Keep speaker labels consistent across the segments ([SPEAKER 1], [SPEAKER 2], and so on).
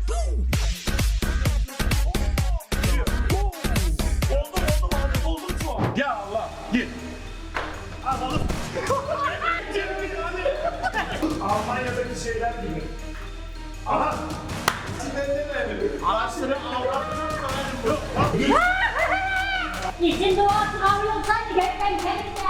[SPEAKER 1] Oldum şu an. Ya Allah. Gir. Alalım. Almanya'daki şeyler gibi. Aha. Araçları
[SPEAKER 2] İçin doğası kavrulsaydı gerçekten kendisi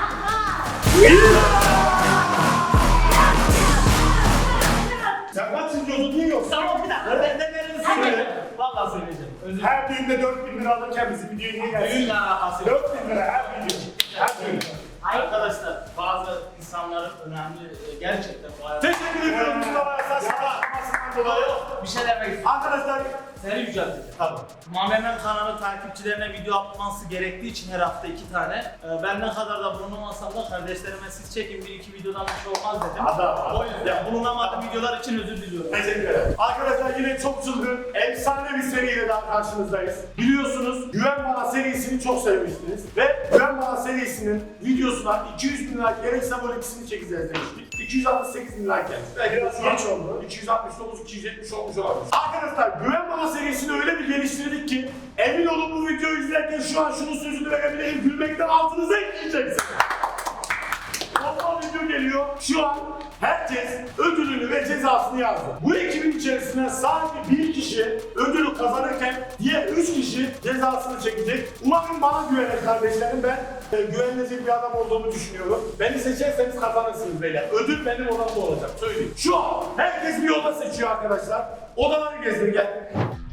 [SPEAKER 1] Sen kaç izliyordun değil yok.
[SPEAKER 3] Tamam bir dakika. Ben de verin söyle. Vallahi söyleyeceğim. Özür dilerim.
[SPEAKER 1] Her düğünde 4.000 lira alırken bizim videoya niye gelsin?
[SPEAKER 3] Düğünle alakası yok.
[SPEAKER 1] 4.000 lira her video. Her düğün.
[SPEAKER 3] Arkadaşlar bazı insanların önemli gerçekten bu hayat.
[SPEAKER 1] Teşekkür ediyorum Mustafa'ya saçma açıklamasından dolayı.
[SPEAKER 3] Bir şey demek istiyorum.
[SPEAKER 1] Arkadaşlar
[SPEAKER 3] Seni yücelteceğim.
[SPEAKER 1] tamam.
[SPEAKER 3] Mamemen kanalı takipçilerine video atması gerektiği için her hafta 2 tane. Ben ne kadar da bulunamasam da kardeşlerime siz çekin bir iki videodan bir şey olmaz dedim.
[SPEAKER 1] Adam.
[SPEAKER 3] O yüzden bulunamadığım videolar için özür diliyorum.
[SPEAKER 1] Teşekkür ederim. Arkadaşlar yine çok çılgın, efsane bir seriyle daha karşınızdayız. Biliyorsunuz Güven Bana serisini çok sevmiştiniz. Ve Güven Bana serisinin videosuna 200 bin like gerekse bu ikisini çekeceğiz demiştik. 268 bin like gelmiş. Belki biraz geç oldu. 269, 270 olmuş olabilir. Arkadaşlar Güven Bana serisini öyle bir geliştirdik ki emin olun bu videoyu izlerken şu an şunun sözünü verebilirim. Gülmekten altınıza ekleyeceksiniz. Toplam video geliyor. Şu an herkes ödülünü ve cezasını yazdı. Bu ekibin içerisinden sadece bir kişi ödülü kazanırken diğer 3 kişi cezasını çekecek. Umarım bana güvenen kardeşlerim, ben güvenilecek bir adam olduğumu düşünüyorum. Beni seçerseniz kazanırsınız beyler. Ödül benim odamda olacak. Söyleyeyim. Şu an herkes bir oda seçiyor arkadaşlar. Odaları gezdir gel.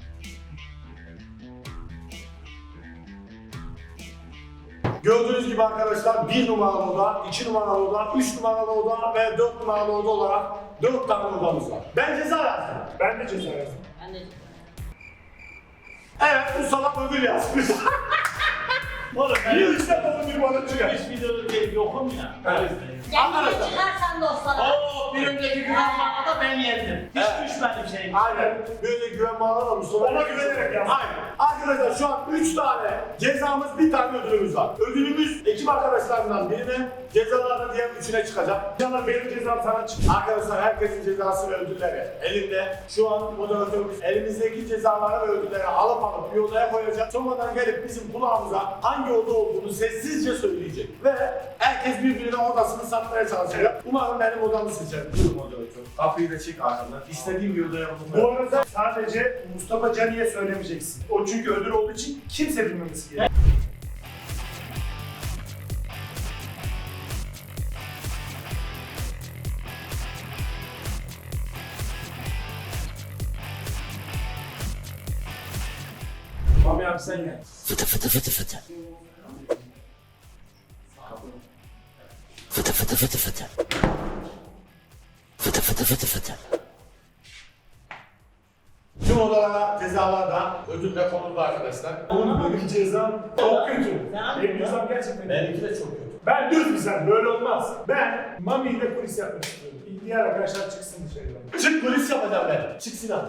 [SPEAKER 1] Gördüğünüz gibi arkadaşlar 1 numaralı oda, 2 numaralı oda, 3 numaralı oda ve 4 numaralı oda olarak 4 tane odamız var. Ben ceza yazdım. Ben de ceza yazdım.
[SPEAKER 2] Ben de.
[SPEAKER 1] Evet, bu salak ödül yazmış.
[SPEAKER 3] Oğlum ben
[SPEAKER 1] Niye işte ödül bana çıkar?
[SPEAKER 3] hiç videoda değil yokum ya.
[SPEAKER 1] Evet.
[SPEAKER 2] Kendine çıkarsan dostlara.
[SPEAKER 3] Oo, bir önceki güvenmada ben yendim. Hiç
[SPEAKER 1] Evet.
[SPEAKER 3] düşmedim şeyim.
[SPEAKER 1] Aynen. Böyle güven bağlar Mustafa. Ona güvenerek yazdım. Aynen. Arkadaşlar şu an 3 tane cezamız, bir tane ödülümüz var. Ödülümüz ekip arkadaşlarından birine, cezalardan diğer üçüne çıkacak. İnşallah benim cezam sana çıkacak. Arkadaşlar herkesin cezası ve ödülleri elinde. Şu an moderatörümüz elimizdeki cezaları ve ödülleri alıp bir odaya koyacak. Sonradan gelip bizim kulağımıza hangi oda olduğunu sessizce söyleyecek. Ve herkes birbirine odasını satmaya çalışacak. Umarım benim odamı seçer. Buyurun moderatör. Kapıyı da çek arkamdan. İstediğim bir odaya
[SPEAKER 4] Bu arada sadece Mustafa Cani'ye söylemeyeceksin. O çünkü ödül olduğu için kimse bilmemesi gerekiyor.
[SPEAKER 1] Mami abi sen gel.
[SPEAKER 5] Fıtı fıtı fıtı fıtı. Fıtı fıtı fıtı fıtı. Fıtı fıtı fıtı fıtı.
[SPEAKER 1] Tüm odalara cezalar da ödülle konuldu arkadaşlar.
[SPEAKER 4] Oğlum benim cezam çok kötü. Benim cezam gerçekten
[SPEAKER 1] Benimki de çok kötü.
[SPEAKER 4] Ben düz bir sen, böyle olmaz. Ben Mami ile polis yapmak istiyorum. Diğer arkadaşlar çıksın dışarıdan.
[SPEAKER 1] Çık polis yapacağım ben. Çık Sinan.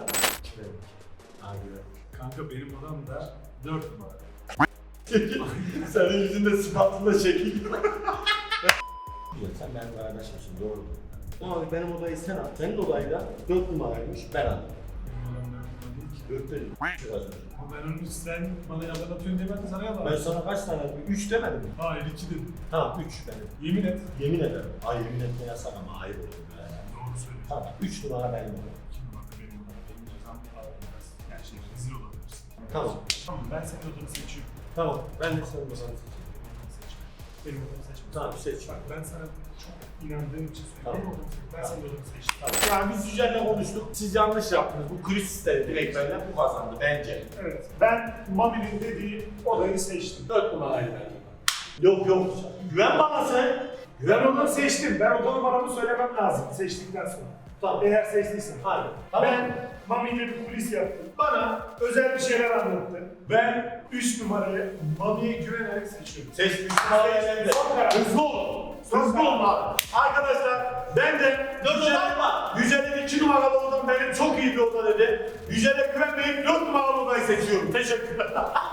[SPEAKER 4] Kanka benim odam da 4 numara.
[SPEAKER 1] Senin yüzünde sıfatında şekil.
[SPEAKER 6] Sen benimle paylaşmışsın, doğru. Ama benim odayı sen al. Senin odayı da 4 numaraymış, ben aldım.
[SPEAKER 4] Benim odam 4 numara değil ki.
[SPEAKER 6] 4 değil.
[SPEAKER 4] Ama ben onu sen bana yalan atıyorsun diye ben de sana yalan
[SPEAKER 6] Ben sana kaç tane? 3 demedim mi?
[SPEAKER 4] Hayır 2 dedim.
[SPEAKER 6] Tamam 3 benim.
[SPEAKER 4] Yemin et.
[SPEAKER 6] Yemin ederim. Ay yemin etme yasak ama ayıp olur böyle.
[SPEAKER 4] Doğru söylüyorsun.
[SPEAKER 6] Tamam 3 numara benim odam.
[SPEAKER 4] Şimdi bak benim odam. Benim cezam biraz. Yani şey rezil olabilirsin.
[SPEAKER 6] Tamam.
[SPEAKER 4] Tamam ben senin odanı seçiyorum.
[SPEAKER 6] Tamam. Ben de senin odanı seçeyim.
[SPEAKER 4] Benim odamı seçme.
[SPEAKER 6] Tamam seç.
[SPEAKER 4] Bak ben sana çok inandığım için söylüyorum.
[SPEAKER 6] Tamam.
[SPEAKER 4] Benim odamı seç. Ben senin odanı seçtim.
[SPEAKER 1] Yani biz Yücel'le konuştuk. Siz yanlış yaptınız. Bu kriz sistemi direkt benden bu kazandı bence.
[SPEAKER 4] Evet. Ben Mami'nin dediği odayı seçtim.
[SPEAKER 1] 4 numaraydı. Yok yok. Güven bana sen.
[SPEAKER 4] Ben onu seçtim. Ben oda numaramı söylemem lazım seçtikten sonra.
[SPEAKER 1] Tamam.
[SPEAKER 4] Eğer seçtiysen.
[SPEAKER 1] Hadi. Tamam.
[SPEAKER 4] Ben Mami'yle bir kulis yaptım. Bana özel bir şeyler anlattı. Ben 3 numarayı Mami'ye güvenerek seçiyorum.
[SPEAKER 1] Seç 3 numarayı elinde.
[SPEAKER 4] Son karar.
[SPEAKER 1] Hızlı ol. Hızlı ol abi. Arkadaşlar ben de Yücel'in 2 numaralı odam benim çok iyi bir oda dedi. Yücel'e güvenmeyip 4 numaralı odayı seçiyorum. Teşekkürler.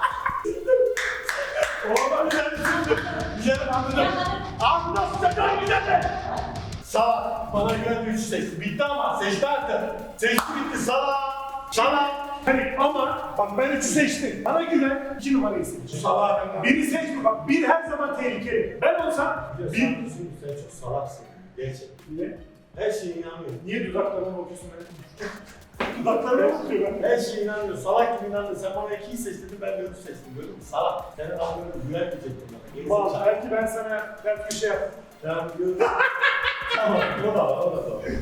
[SPEAKER 1] Oğlum Yücel'in anladım. Ağzına sıçacağım Yücel'e. Sağ bana güvenli 3 seçti. Bitti ama seçti artık. Seçti bitti sağ. Sağ
[SPEAKER 4] Bak ben 3'ü seçtim. Bana güven 2 numarayı seç.
[SPEAKER 1] Salak.
[SPEAKER 4] Biri seçme bak. 1 her zaman tehlikeli. Ben olsam 1.
[SPEAKER 6] Sen çok salaksın. Gerçekten.
[SPEAKER 4] Niye?
[SPEAKER 6] Her şeye inanmıyorum.
[SPEAKER 4] Niye dudaklarına bakıyorsun öyle? Dudaklarına bakıyor ben.
[SPEAKER 6] Her şeye inanmıyor. Salak gibi inanmıyor. Sen bana 2'yi seçtin, ben de 3'ü seçtim. Gördün mü? Salak. Senin anlıyorum. Güvenmeyecektim bana.
[SPEAKER 4] Bak
[SPEAKER 6] Gerizekalı.
[SPEAKER 4] belki ben sana belki bir şey yaptım.
[SPEAKER 6] Tamam gördüm. Tamam. O da var. O da var.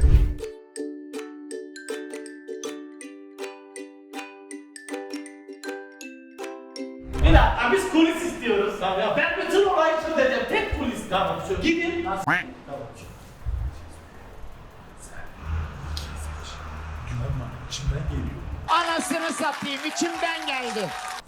[SPEAKER 3] Bir dakika biz kulis istiyoruz. Tamam. Ben bütün olayı çözeceğim. Tek kulis. Tamam. Gidin. Tamam.
[SPEAKER 4] Güven bana. İçimden geliyor.
[SPEAKER 5] Anasını satayım içimden geldi.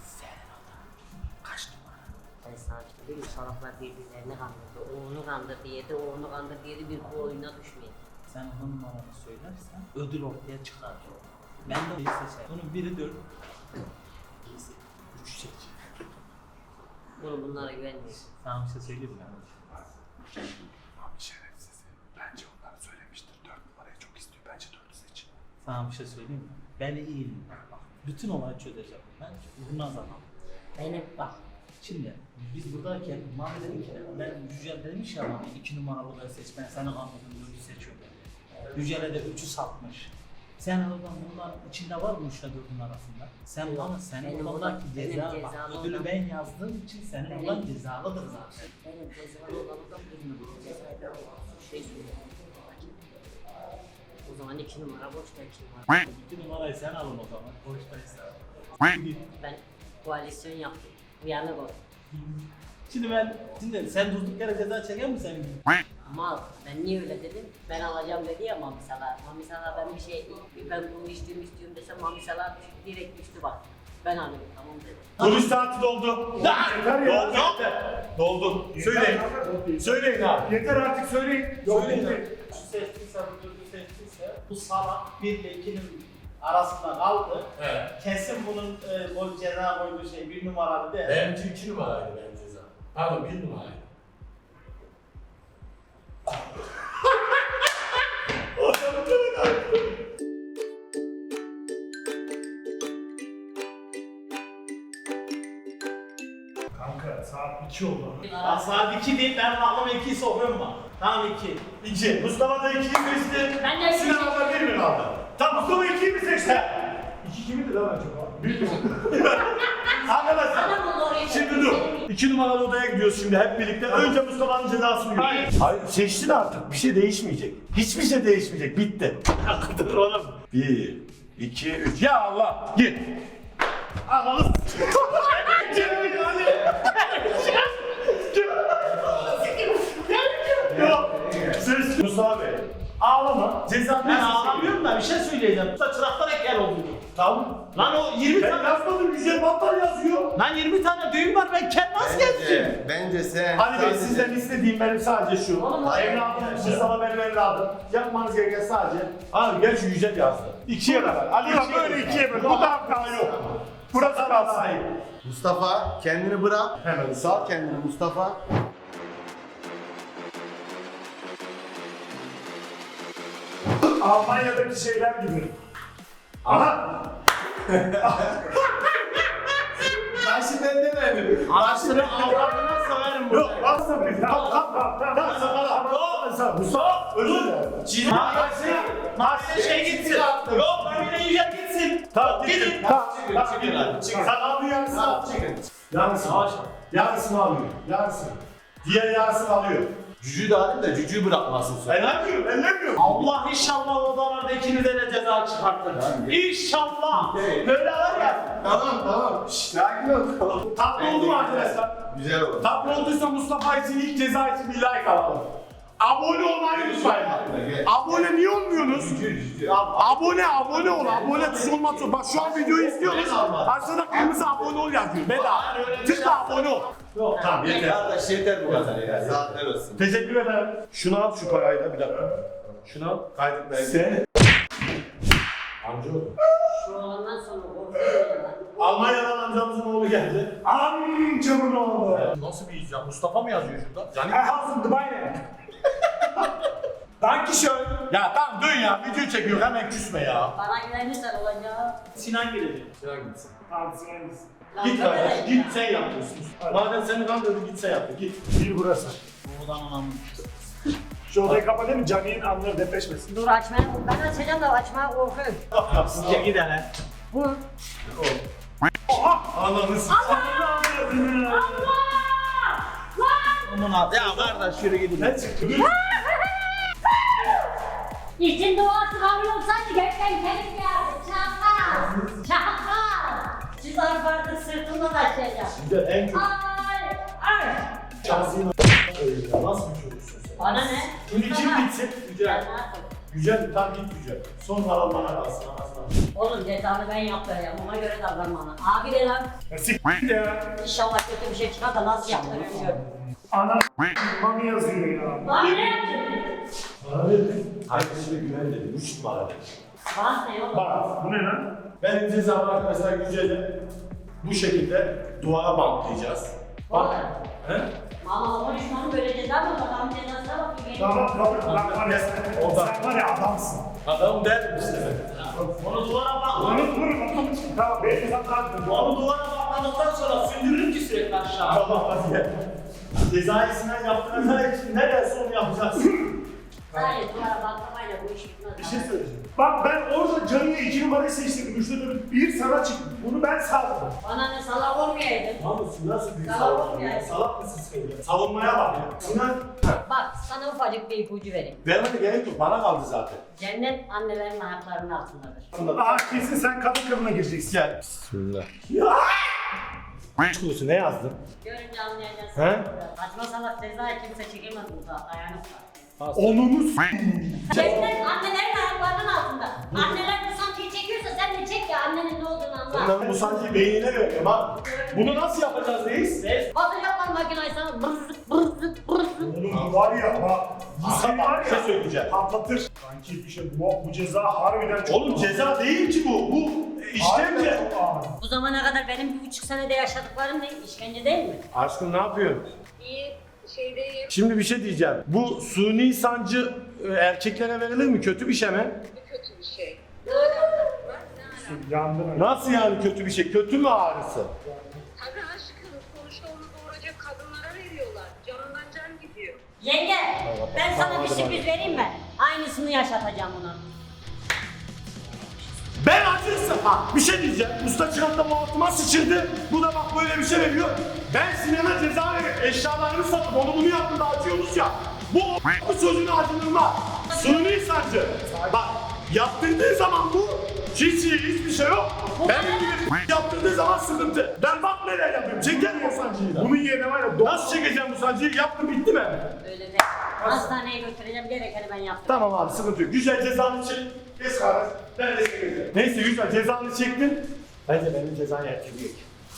[SPEAKER 2] Ben sakin değilim. Salaklar birbirlerini kandırdı. O onu kandırdı yedi, o onu kandırdı yedi. Bir bu oyuna düşmeyin.
[SPEAKER 3] Sen onun numaranı söylersen ödül ortaya çıkar. Ben de iyi seçerim. Bunun biri 4. İyisi. 3 seç.
[SPEAKER 2] Oğlum bunlara güvenmeyin.
[SPEAKER 3] Sana bir şey söyleyeyim mi?
[SPEAKER 4] Abi şerefsiz. Bence onlara söylemiştir. 4 numarayı çok istiyor. Bence 4'ü seç.
[SPEAKER 3] Sana bir şey söyleyeyim mi? Ben iyiyim. Bak, bütün olayı çözeceğim. Ben vurmaz adamım.
[SPEAKER 2] Benim bak.
[SPEAKER 3] Şimdi biz buradayken Mami dedi ki ben Yücel demiş ya Mami 2 numaralı ben seç ben seni kandırdım 4'ü seçiyorum. Yücel'e de 3'ü satmış. Sen oradan bunların içinde var mı 3 ile 4'ün arasında? Sen bana senin
[SPEAKER 2] Benim
[SPEAKER 3] oradaki
[SPEAKER 2] benim
[SPEAKER 3] ceza bak
[SPEAKER 2] cezalı
[SPEAKER 3] ödülü
[SPEAKER 2] olan-
[SPEAKER 3] ben yazdığım için senin
[SPEAKER 2] Benim-
[SPEAKER 3] olan cezalıdır zaten.
[SPEAKER 2] Benim cezalı olanımdan bilmiyorum. Cezayı şey söylüyorum. O zaman 2 numara boşta 2 numara.
[SPEAKER 3] 2 numarayı sen alın o zaman. Boştaysa.
[SPEAKER 2] Ben koalisyon yaptım. Uyanık ol.
[SPEAKER 3] Şimdi sen durduk yere ceza çeker mi senin gibi?
[SPEAKER 2] Mal, ben niye öyle dedim? Ben alacağım dedi ya Mami Salah. Mami Salah ben bir şey, ben bunu istiyorum desem Mami Salah direkt düştü bak. Ben alıyorum tamam dedi.
[SPEAKER 1] Polis saati doldu.
[SPEAKER 4] Yeter ya.
[SPEAKER 1] Doldu. Söyleyin. Söyleyin abi.
[SPEAKER 4] Yeter artık söyleyin. Yok
[SPEAKER 3] Söyleyin
[SPEAKER 4] değil.
[SPEAKER 3] Şu seçtiyse, bu dördü seçtiyse bu salak 1 ile 2'nin arasında kaldı.
[SPEAKER 6] Evet.
[SPEAKER 3] Kesin bunun o ceza koyduğu şey 1 numaralı değil.
[SPEAKER 6] Benimki 2 numaraydı benim ceza. Pardon 1 numaraydı.
[SPEAKER 4] Kanka saat 2 oldu.
[SPEAKER 3] Bak saat 2 değil ben aklıma 2'yi sokuyorum bak. Tamam 2.
[SPEAKER 1] 2. Mustafa da 2'yi seçti.
[SPEAKER 2] Ben de
[SPEAKER 1] Sinan abla 1 mi kaldı? Tamam Mustafa 2'yi mi seçti?
[SPEAKER 4] 2 kimindi lan acaba? 1 mi?
[SPEAKER 1] Arkadaşlar.
[SPEAKER 2] Bana bunu oraya
[SPEAKER 1] Şimdi dur. 2 numaralı odaya gidiyoruz şimdi hep birlikte. Önce Mustafa'nın cezasını görüyoruz. Hayır seçtin artık. Bir şey değişmeyecek. Hiçbir şey değişmeyecek. Bitti. Dur oğlum. 1, 2, 3. Ya Allah. Git. Ananı Yok. Ses Mustafa Bey. Ağlama. Ceza
[SPEAKER 3] Ben ağlamıyorum da bir şey söyleyeceğim. Usta çıraktan ekler oldu.
[SPEAKER 1] Tamam.
[SPEAKER 3] Lan o 20
[SPEAKER 1] Ben
[SPEAKER 3] tane...
[SPEAKER 1] yazmadım. Güzel battal yazıyor.
[SPEAKER 3] Lan 20 tane düğün var ben kendim nasıl gezeceğim?
[SPEAKER 6] Bence sen...
[SPEAKER 1] Ali Bey sizden istediğim benim sadece şu.
[SPEAKER 2] Oğlum,
[SPEAKER 1] Evladım, Mustafa benim evladım. Yapmanız gereken sadece. Abi gel şu Yücel yazdı. 2'ye kadar. Ali böyle 2'ye böyle. Bu da hata yok. Burası kalsın.
[SPEAKER 6] Mustafa kendini bırak.
[SPEAKER 1] Hemen.
[SPEAKER 6] Sal kendini Mustafa.
[SPEAKER 4] Almanya'daki şeyler gibi. Aha!
[SPEAKER 6] Taşı ben demedim.
[SPEAKER 3] Anasını avradına severim
[SPEAKER 1] Yok
[SPEAKER 3] burada.
[SPEAKER 1] aslında bir. Tamam tamam sakala. Mustafa özür dilerim.
[SPEAKER 3] Mahsene şey gitsin. Yok ben yine Yücel gitsin.
[SPEAKER 1] Tamam
[SPEAKER 3] Gidin.
[SPEAKER 1] gidin. Tamam
[SPEAKER 6] Çıkın hadi, çıkın.
[SPEAKER 1] Sen al yarısını al. Yarısını al. Yarısını alıyor. Yarısını. Diğer yarısını alıyor.
[SPEAKER 6] Cücüğü de alayım da cücüğü bırakmasın sonra.
[SPEAKER 1] Ellemiyorum, ellemiyorum.
[SPEAKER 3] Allah inşallah odalarda ikinize de ceza çıkartır. İnşallah.
[SPEAKER 6] Evet.
[SPEAKER 3] Böyle var ya.
[SPEAKER 6] Tamam. Şşş sakin ol.
[SPEAKER 1] Tatlı oldu mu arkadaşlar?
[SPEAKER 6] Güzel oldu.
[SPEAKER 1] Tatlı olduysa Mustafa için ilk ceza için bir like alalım. Abone olmayı unutmayın. Abone niye olmuyorsunuz? Abone ol. Abone tuş olmazsa. Bak şu an videoyu izliyoruz. Aşağıda kırmızı abone ol yazıyor. Bedava. Tıkla abone ol. Yok tamam yeter.
[SPEAKER 6] Kardeş yeter bu kadar ya. Saatler olsun.
[SPEAKER 1] Teşekkür ederim. Şunu al şu parayı da bir dakika. Şunu al.
[SPEAKER 6] Kaydık ben.
[SPEAKER 1] Sen
[SPEAKER 6] Amcaoğlu.
[SPEAKER 2] Şu olandan sonra korkuyorum ya lan.
[SPEAKER 1] Almanya'dan amcamızın oğlu geldi.
[SPEAKER 4] Amcamın oğlu.
[SPEAKER 6] Nasıl bir icat? Mustafa mı yazıyor şurada?
[SPEAKER 4] I have Dubai. Dankeschön.
[SPEAKER 1] Ya tamam dön ya, video çekiyor, hemen küsme ya.
[SPEAKER 2] Bana güvenirsen olacak.
[SPEAKER 3] Sinan gelecek.
[SPEAKER 1] Sinan gitsin.
[SPEAKER 4] Tamam sen gitsin.
[SPEAKER 2] Lan
[SPEAKER 1] Git
[SPEAKER 2] deme
[SPEAKER 1] kardeş,
[SPEAKER 2] de
[SPEAKER 1] git
[SPEAKER 2] ya.
[SPEAKER 1] sen yapıyorsun. Madem seni kandırdı, git sen yaptı, git.
[SPEAKER 4] Bir burası.
[SPEAKER 3] Oradan anamın.
[SPEAKER 4] Şu odayı kapatayım mı? Cami'nin anları depreşmesin.
[SPEAKER 2] Dur açmaya, ben açacağım da açmaya korkuyorum.
[SPEAKER 3] Sizce gidene.
[SPEAKER 2] Bu.
[SPEAKER 1] Ananı s***.
[SPEAKER 3] Aman abi. Ya kardeş yürü gidin.
[SPEAKER 1] Ne çıktı?
[SPEAKER 2] İçin duası kabul olsaydı gökten gelip geldi. Çakal. Çakal. Cüzdan vardı sırtımdan aşağıya.
[SPEAKER 1] Güzel, en kötü.
[SPEAKER 2] Ay. Ay.
[SPEAKER 1] Şahsiyim ya, nasıl bir çocuksun sen?
[SPEAKER 2] Bana ne?
[SPEAKER 1] Şimdi kim gitsin?
[SPEAKER 2] Ben
[SPEAKER 1] Yücel.
[SPEAKER 2] ne yapayım?
[SPEAKER 1] Yücel, tam git Yücel. Son kalan bana kalsın, anasını.
[SPEAKER 2] Oğlum cezanı ben yaptıracağım. Ona göre davran bana. Abi de lan.
[SPEAKER 4] Ya siktir ya.
[SPEAKER 2] İnşallah kötü bir şey çıkar da nasıl yaptırıyorum gör.
[SPEAKER 4] Ana mami yazıyor ya.
[SPEAKER 2] Abi ne yaptın?
[SPEAKER 1] Bana verin. Arkadaşına güven dedi, 3 numara dedi.
[SPEAKER 2] Bana ne oğlum?
[SPEAKER 4] Bak bu ne lan?
[SPEAKER 1] Benim cezam arkadaşlar Yücel'e bu şekilde duvara bantlayacağız. Bak. He?
[SPEAKER 2] Ama konuşmanın böyle ceza mı olur? Adamın cezasına bakayım.
[SPEAKER 4] Tamam tamam. Lan var ya sen,
[SPEAKER 1] Orada.
[SPEAKER 4] sen var ya adamsın.
[SPEAKER 1] Adam der işte.
[SPEAKER 3] Onu duvara bak.
[SPEAKER 4] Onu vurun. Tamam benim zaten.
[SPEAKER 3] Onu duvara bakmadıktan sonra sündürürüm ki sürekli aşağı.
[SPEAKER 1] Tamam hadi gel. Cezayı Sinan yaptıracak için ne derse onu yapacaksın.
[SPEAKER 2] Hayır, duvara baklamayla bu iş bitmez.
[SPEAKER 1] Bir şey söyleyeceğim.
[SPEAKER 4] Bak ben orada Cami'ye 2 numarayı seçtim. 3'te 4 bir sana çıktı. Bunu ben sağladım.
[SPEAKER 2] Bana ne salak olmayaydın.
[SPEAKER 1] Namusun nasıl bir
[SPEAKER 2] Salak
[SPEAKER 1] salak
[SPEAKER 2] yani.
[SPEAKER 1] ya? Salak mısın sen ya? Savunmaya bak ya. Sinan.
[SPEAKER 2] Bak sana ufacık bir ipucu vereyim.
[SPEAKER 1] Vermene gerek yok. Bana kaldı zaten.
[SPEAKER 2] Cennet annelerin ayaklarının altındadır.
[SPEAKER 4] Aa kesin sen kadın kılığına gireceksin.
[SPEAKER 1] Gel. Bismillah. Kurusu ne yazdın?
[SPEAKER 2] Görünce anlayacaksın.
[SPEAKER 1] He?
[SPEAKER 2] Saçma salak cezayı kimse çekemez burada. Ayağını var.
[SPEAKER 4] Onunu
[SPEAKER 2] Cennet annelerin ayaklarının altında. Anneler bu sancıyı çekiyorsa sen de çek ya annenin ne olduğunu anla.
[SPEAKER 1] Onların bu sancıyı beynine veriyorum ha. Bunu nasıl yapacağız reis?
[SPEAKER 2] Batacaklar makinayı sana bırzık bırzık bırzık.
[SPEAKER 4] Oğlum var ya bak. Bu seni var
[SPEAKER 1] Bir şey
[SPEAKER 4] ya
[SPEAKER 1] söyleyeceğim.
[SPEAKER 4] patlatır. Sanki bir şey bu ceza harbiden çok
[SPEAKER 1] Oğlum ceza değil ki bu. Bu işkence.
[SPEAKER 4] Harbiden çok ağır.
[SPEAKER 2] Bu zamana kadar benim 1,5 senede yaşadıklarım ne? İşkence değil mi?
[SPEAKER 1] Aşkım ne yapıyorsun?
[SPEAKER 7] İyi şeydeyim.
[SPEAKER 1] Şimdi bir şey diyeceğim. Bu suni sancı erkeklere verilir mi? Kötü bir şey mi?
[SPEAKER 7] Bu kötü bir şey. Ne alakası var? Ne alakası?
[SPEAKER 4] Yandın öyle.
[SPEAKER 1] Nasıl yani kötü bir şey? Kötü mü ağrısı?
[SPEAKER 7] Tabii aşkım sonuçta onu doğuracak kadınlara veriyorlar. Canından can gidiyor.
[SPEAKER 2] Yenge, ben sana bir sürpriz vereyim mi? Aynısını yaşatacağım ona.
[SPEAKER 1] Ben acırsın. Ha bir şey diyeceğim. Usta çıkan da bu altıma sıçırdı. Bu da bak böyle bir şey veriyor. Ben Sinan'a ceza verip eşyalarını satıp onu bunu yaptım da acıyoruz ya. Bu sözünü acınırma. Suni sancı. Bak yaptırdığı zaman bu hiçbir şey yok. Ben gibi yaptırdığı zaman sıkıntı. Ben bak neler yapıyorum. Çekerim o sancıyı da.
[SPEAKER 4] Bunun yerine var ya
[SPEAKER 1] Nasıl çekeceğim bu sancıyı? Yaptım bitti mi?
[SPEAKER 2] Öyle de. Hastaneye götüreceğim gerekeni ben yaptım.
[SPEAKER 1] Tamam abi sıkıntı yok. Güzel cezanı çek. Geç kardeş. Ben de çekeceğim. Neyse güzel cezanı çektin. Bence benim cezayı erteleyek.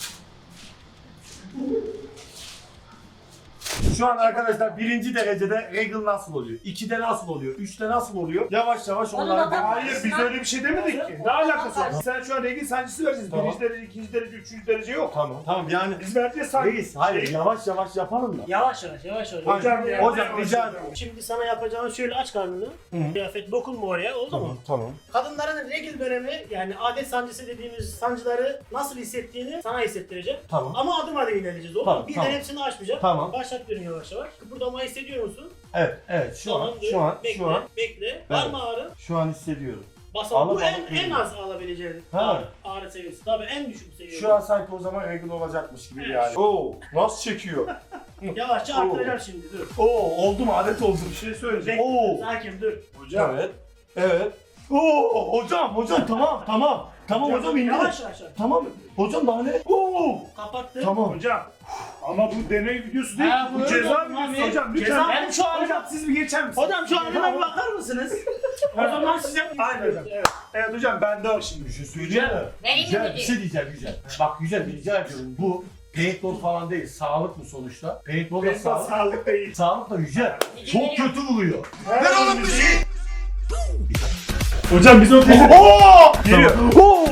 [SPEAKER 1] Şu an arkadaşlar 1. derecede regal nasıl oluyor? 2'de nasıl oluyor? 3'te nasıl oluyor? Yavaş yavaş
[SPEAKER 2] Onu
[SPEAKER 1] onları
[SPEAKER 2] da
[SPEAKER 4] Hayır biz öyle bir şey demedik ki. Ne alakası var? Sen şu an regl sancısı vereceğiz.
[SPEAKER 1] Tamam.
[SPEAKER 4] Birinci derece, ikinci derece, üçüncü derece yok.
[SPEAKER 1] Tamam yani
[SPEAKER 4] Biz vereceğiz sancı.
[SPEAKER 1] reis hayır yavaş yavaş yapalım da.
[SPEAKER 8] Yavaş yavaş.
[SPEAKER 4] Hocam ya.
[SPEAKER 1] Hocam rica ederim.
[SPEAKER 8] Şimdi sana yapacağın şöyle aç karnını. Kıyafet dokunma oraya oldu mu?
[SPEAKER 1] Tamam.
[SPEAKER 8] Kadınların regl dönemi yani adet sancısı dediğimiz sancıları nasıl hissettiğini sana hissettireceğim.
[SPEAKER 1] Tamam.
[SPEAKER 8] Ama adım adım ilerleyeceğiz oldu
[SPEAKER 1] Tamam,
[SPEAKER 8] mu? Birden
[SPEAKER 1] tamam.
[SPEAKER 8] hepsini açmayacağım.
[SPEAKER 1] Tamam.
[SPEAKER 8] Başlatıyorum yavaş yavaş. Kıpırdama hissediyor musun?
[SPEAKER 1] Evet
[SPEAKER 8] Tamam, dur. Bekle, Bekle. Var
[SPEAKER 1] Evet.
[SPEAKER 8] mı ağrı?
[SPEAKER 1] şu an hissediyorum.
[SPEAKER 8] Basalım.
[SPEAKER 1] Alıp
[SPEAKER 8] Bu
[SPEAKER 1] alıp
[SPEAKER 8] en
[SPEAKER 1] geliyor.
[SPEAKER 8] az alabileceğin
[SPEAKER 1] Ha.
[SPEAKER 8] ağrı seviyesi. Tabii en düşük seviye.
[SPEAKER 1] Şu an sanki o zaman regal olacakmış gibi
[SPEAKER 8] Evet.
[SPEAKER 1] yani. Oo nasıl çekiyor?
[SPEAKER 8] Yavaşça arttıracağım şimdi dur.
[SPEAKER 1] Oo oldu mu adet oldu.
[SPEAKER 4] Bir şey söyleyeceğim.
[SPEAKER 1] Oo.
[SPEAKER 8] Sakin dur.
[SPEAKER 4] Hocam.
[SPEAKER 1] Evet. Oo hocam tamam. Tamam hocam indi.
[SPEAKER 8] Yavaş.
[SPEAKER 1] Tamam. Hocam daha ne? Oo.
[SPEAKER 8] Kapattı.
[SPEAKER 1] Tamam.
[SPEAKER 4] Hocam. Ama bu deney videosu değil.
[SPEAKER 8] Ha,
[SPEAKER 4] Bu
[SPEAKER 8] bu
[SPEAKER 4] ceza
[SPEAKER 8] öyle
[SPEAKER 4] videosu
[SPEAKER 8] abi.
[SPEAKER 4] hocam.
[SPEAKER 8] Ceza-
[SPEAKER 4] Lütfen.
[SPEAKER 8] Ben şu an-
[SPEAKER 4] Hocam siz bir geçer misiniz?
[SPEAKER 8] Hocam şu halime bir bakar mısınız? O zaman size...
[SPEAKER 4] Aynen hocam.
[SPEAKER 8] Evet.
[SPEAKER 4] Evet hocam ben de o şimdi.
[SPEAKER 1] Bir şey söyleyeceğim mi?
[SPEAKER 2] Vereyim mi
[SPEAKER 1] Güzel bir
[SPEAKER 2] müdür?
[SPEAKER 1] şey diyeceğim güzel. Bak güzel rica ediyorum. Bu paintball falan değil. Sağlık mı sonuçta? Paintball da
[SPEAKER 4] Benim
[SPEAKER 1] sağlık.
[SPEAKER 4] sağlık değil.
[SPEAKER 1] Sağlık da güzel. Çok kötü vuruyor.
[SPEAKER 4] Ver oğlum bir şey. Hocam biz o tezi...
[SPEAKER 1] Oo!
[SPEAKER 4] Geliyor.
[SPEAKER 1] Oo!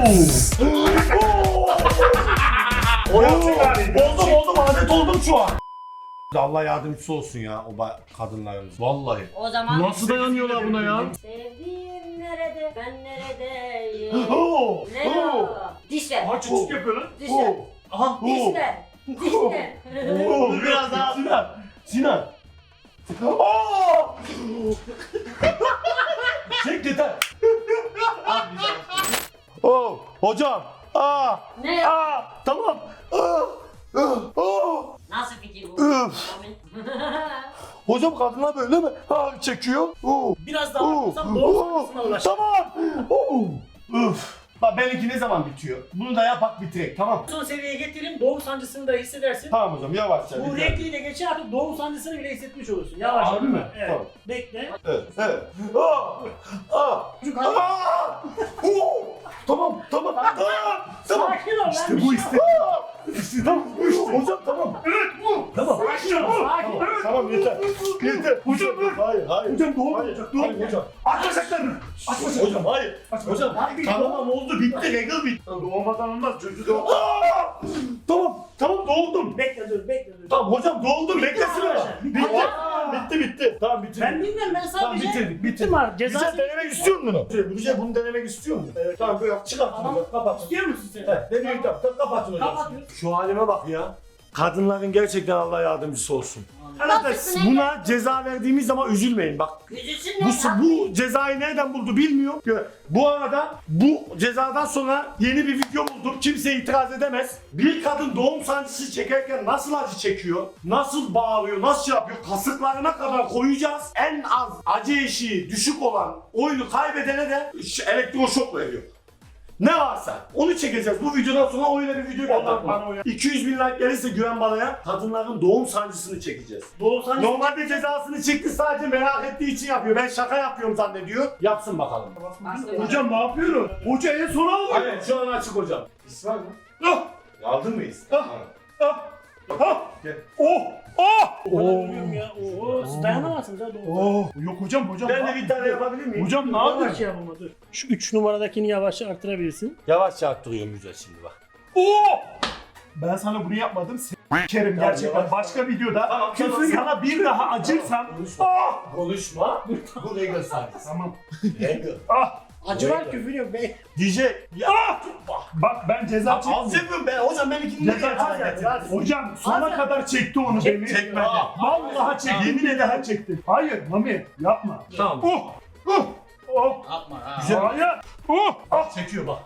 [SPEAKER 4] O yapacak abi.
[SPEAKER 1] Oldum adet oldum şu an. Allah yardımcısı olsun ya o kadınlarımız. Vallahi.
[SPEAKER 2] O zaman
[SPEAKER 1] Nasıl dayanıyorlar buna ya?
[SPEAKER 2] sevdiğim nerede, ben neredeyim?
[SPEAKER 1] Oo,
[SPEAKER 2] Ne
[SPEAKER 1] oo.
[SPEAKER 2] o? Dişler.
[SPEAKER 4] Aha çocuk yapıyor lan.
[SPEAKER 2] Dişler.
[SPEAKER 3] Aha.
[SPEAKER 2] Dişler. Dişler.
[SPEAKER 1] Oo, biraz daha. Sinan. Oo! Çek yeter. Oo, hocam.
[SPEAKER 2] Ne?
[SPEAKER 1] Tamam.
[SPEAKER 2] Nasıl fikir bu?
[SPEAKER 1] Üf. Hocam kadınlar böyle mi? Çekiyor.
[SPEAKER 8] Biraz daha arttırsam doğum sancısına ulaşır.
[SPEAKER 1] Tamam. Üf. Bak benimki ne zaman bitiyor? Bunu da yapak bitirek, tamam.
[SPEAKER 8] Son seviyeye getirin, doğum sancısını da hissedersin.
[SPEAKER 1] Tamam hocam, yavaşça.
[SPEAKER 8] Bu
[SPEAKER 1] biter.
[SPEAKER 8] renkliyle geçer artık doğum sancısını bile hissetmiş olursun. Yavaş.
[SPEAKER 1] Harbi mi?
[SPEAKER 8] Evet.
[SPEAKER 1] Tamam.
[SPEAKER 8] Bekle.
[SPEAKER 1] Evet.
[SPEAKER 8] Çocuk hadi.
[SPEAKER 1] Tamam. Tamam.
[SPEAKER 8] Sakin ol lan.
[SPEAKER 1] İşte
[SPEAKER 8] bir
[SPEAKER 1] bu
[SPEAKER 8] şey
[SPEAKER 1] işte. İşte tamam. Hocam tamam. Evet bu. Tamam.
[SPEAKER 8] Sakin ol. Sakin ol.
[SPEAKER 1] Tamam yeter. Yeter. Hocam dur. Hayır.
[SPEAKER 4] Hocam doğum
[SPEAKER 1] Hayır.
[SPEAKER 4] olacak. Doğum
[SPEAKER 1] Hayır hocam.
[SPEAKER 4] Aç bacaklarını. Aç bacaklarını.
[SPEAKER 1] Hocam hayır. Hocam tamam oldu bitti. Regal bitti.
[SPEAKER 4] Doğmadan olmaz. Çocuğu doğum.
[SPEAKER 1] Tamam doğdum.
[SPEAKER 8] Bekle dur.
[SPEAKER 1] Tamam hocam doğdum. Beklesene. Bitti. Tamam bitti.
[SPEAKER 8] Ben bilmiyorum ben
[SPEAKER 1] Tamam
[SPEAKER 8] sadece
[SPEAKER 1] bitirdik.
[SPEAKER 8] bittim artık.
[SPEAKER 1] Güzel
[SPEAKER 8] Cezası
[SPEAKER 1] denemek istiyor musun bunu? Güzel bunu denemek istiyor musun? Evet. Tamam böyle yap. Çıkart
[SPEAKER 8] Tamam.
[SPEAKER 1] bunu. Kapat.
[SPEAKER 8] İstiyor musun sen?
[SPEAKER 1] Evet. Denemek yap. Kapatın hocam.
[SPEAKER 8] Kapatıyoruz.
[SPEAKER 1] Şu halime bak ya. Kadınların gerçekten Allah yardımcısı olsun.
[SPEAKER 2] Nasılsın
[SPEAKER 1] Buna ceza verdiğimiz zaman üzülmeyin. Bak
[SPEAKER 2] Üzülsün
[SPEAKER 1] bu cezayı nereden buldu bilmiyorum. Bu arada bu cezadan sonra yeni bir video buldum. Kimse itiraz edemez. Bir kadın doğum sancısı çekerken nasıl acı çekiyor, nasıl bağırıyor, nasıl şey yapıyor, kasıklarına kadar koyacağız. En az acı eşiği düşük olan oyunu kaybedene de elektroşok veriyor. Ne varsa onu çekeceğiz. Bu videodan sonra öyle bir video
[SPEAKER 4] Allah bana uyar.
[SPEAKER 1] 200 bin like gelirse Güven Bala'ya kadınların doğum sancısını çekeceğiz.
[SPEAKER 8] Doğum sancısı.
[SPEAKER 1] Normalde cezasını çekti sadece merak ettiği için yapıyor. Ben şaka yapıyorum zannediyor. Yapsın bakalım.
[SPEAKER 4] Hocam ne yapıyorsun? Hoca en sona alıyor.
[SPEAKER 1] Hayır şu an açık hocam. İs var mı?
[SPEAKER 4] Ah!
[SPEAKER 1] Aldın mı is?
[SPEAKER 4] Gel.
[SPEAKER 8] Ölüyorum ya. Oo, siz dayanamazsınız ha doğum.
[SPEAKER 4] Yok hocam.
[SPEAKER 1] Ben de bir tane yapabilir miyim?
[SPEAKER 4] Hocam ne
[SPEAKER 8] Yavaş
[SPEAKER 4] yapıyorsun?
[SPEAKER 8] yap ama dur. Şu 3 numaradakini yavaşça arttırabilirsin.
[SPEAKER 1] Yavaşça arttırıyorum güzel şimdi bak.
[SPEAKER 4] Ben sana bunu yapmadım. Kerim gerçekten. Başka videoda küfür sana bir daha acırsam.
[SPEAKER 1] Konuşma. Bu legal sancısı.
[SPEAKER 4] Tamam.
[SPEAKER 1] Legal.
[SPEAKER 8] Acı var küfür yok be.
[SPEAKER 1] DJ. Ya.
[SPEAKER 4] Bak ben ceza
[SPEAKER 1] Az
[SPEAKER 4] çektim.
[SPEAKER 1] yapıyorum ben. Hocam ben ikinci
[SPEAKER 4] Ceza çektim. Hocam sona kadar çekti onu beni.
[SPEAKER 1] Çekmedi.
[SPEAKER 4] Vallahi çekti. Yemin ederim çekti. Hayır Mami yapma.
[SPEAKER 1] Tamam.
[SPEAKER 3] Yapma ha.
[SPEAKER 1] Güzel.
[SPEAKER 4] Hayır.
[SPEAKER 1] Çekiyor bak.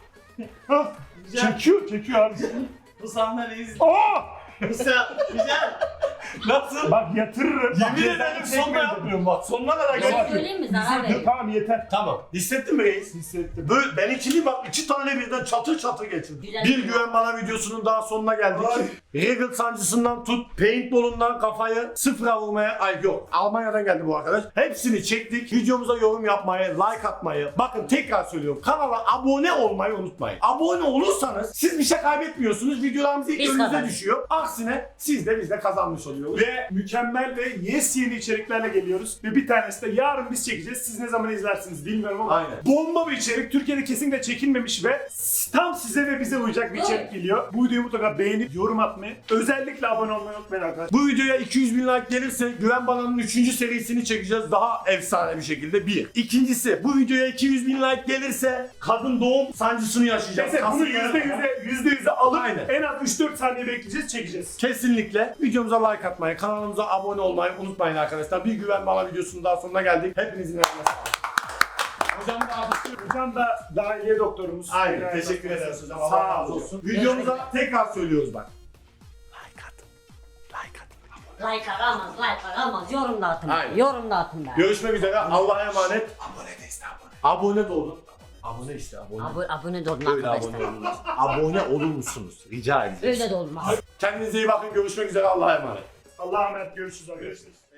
[SPEAKER 4] Çekiyor abi.
[SPEAKER 3] Bu sahneyi izle.
[SPEAKER 1] Güzel. Nasıl?
[SPEAKER 4] Bak yatırırım. Bak,
[SPEAKER 1] Yemin
[SPEAKER 4] cezayı
[SPEAKER 1] ederim sonuna
[SPEAKER 4] çekmedim.
[SPEAKER 1] yapmıyorum bak. Sonuna kadar
[SPEAKER 2] Ben
[SPEAKER 1] geliyorum.
[SPEAKER 2] söyleyeyim mi zarar verir?
[SPEAKER 4] Tamam yeter.
[SPEAKER 1] Tamam. Hissettin mi reis?
[SPEAKER 4] Hissettim.
[SPEAKER 1] Böyle ben ikili bak 2 tane birden çatır çatır geçirdim.
[SPEAKER 2] Güzel.
[SPEAKER 1] Bir Güven Bana videosunun daha sonuna geldik. Regal sancısından tut, paintball'undan kafayı sıfıra vurmaya, yok Almanya'dan geldi bu arkadaş. Hepsini çektik. Videomuza yorum yapmayı, like atmayı. Bakın tekrar söylüyorum. Kanala abone olmayı unutmayın. Abone olursanız siz bir şey kaybetmiyorsunuz. Videolarımız ilk
[SPEAKER 2] Biz
[SPEAKER 1] önünüze
[SPEAKER 2] kazanırız.
[SPEAKER 1] düşüyor. Aksine siz de biz de kazanmış oluyoruz.
[SPEAKER 4] Ve mükemmel ve yeni içeriklerle geliyoruz. Ve bir tanesi de yarın biz çekeceğiz. Siz ne zaman izlersiniz bilmiyorum ama
[SPEAKER 1] Aynen.
[SPEAKER 4] bomba bir içerik. Türkiye'de kesinlikle çekilmemiş ve tam size ve bize uyacak bir içerik geliyor. Bu videoyu mutlaka beğenip yorum atmayı, özellikle abone olmayı unutmayın arkadaşlar.
[SPEAKER 1] Bu videoya 200 bin like gelirse Güven Bana'nın 3. serisini çekeceğiz daha efsane bir şekilde. Bir. İkincisi bu videoya 200 bin like gelirse kadın doğum sancısını yaşayacağız.
[SPEAKER 4] Neyse bunu
[SPEAKER 1] Kasıkları-
[SPEAKER 4] %100'e alıp
[SPEAKER 1] Aynen.
[SPEAKER 4] en az 3-4 saniye bekleyeceğiz, çekeceğiz.
[SPEAKER 1] Kesinlikle videomuza like atmayı, kanalımıza abone olmayı unutmayın arkadaşlar. Bir Güven Bana videosunun daha sonuna geldik. Hepinizin eline sağlık.
[SPEAKER 4] Hocam da dahiliye doktorumuz.
[SPEAKER 1] Aynen.
[SPEAKER 4] Yani
[SPEAKER 1] Teşekkür ederiz hocam. Allah
[SPEAKER 4] Sağ
[SPEAKER 1] razı
[SPEAKER 4] olun.
[SPEAKER 1] olsun. Videomuza tekrar söylüyoruz bak. Like atın. Like atın.
[SPEAKER 2] Like aramaz, like aramaz. Yorum da atın.
[SPEAKER 1] Aynen.
[SPEAKER 2] Yorum da atın be.
[SPEAKER 1] Görüşmek üzere. Allah'a emanet. Abone de iste abone. Abone de olun. Abone işte abone.
[SPEAKER 2] Abone de olun
[SPEAKER 1] Öyle
[SPEAKER 2] arkadaşlar.
[SPEAKER 1] abone olun. Abone olur musunuz? Rica edeceğiz.
[SPEAKER 2] Öyle de olmaz.
[SPEAKER 1] Kendinize iyi bakın. Görüşmek üzere. Allah'a emanet.
[SPEAKER 4] Allah'a emanet, görüşürüz arkadaşlar.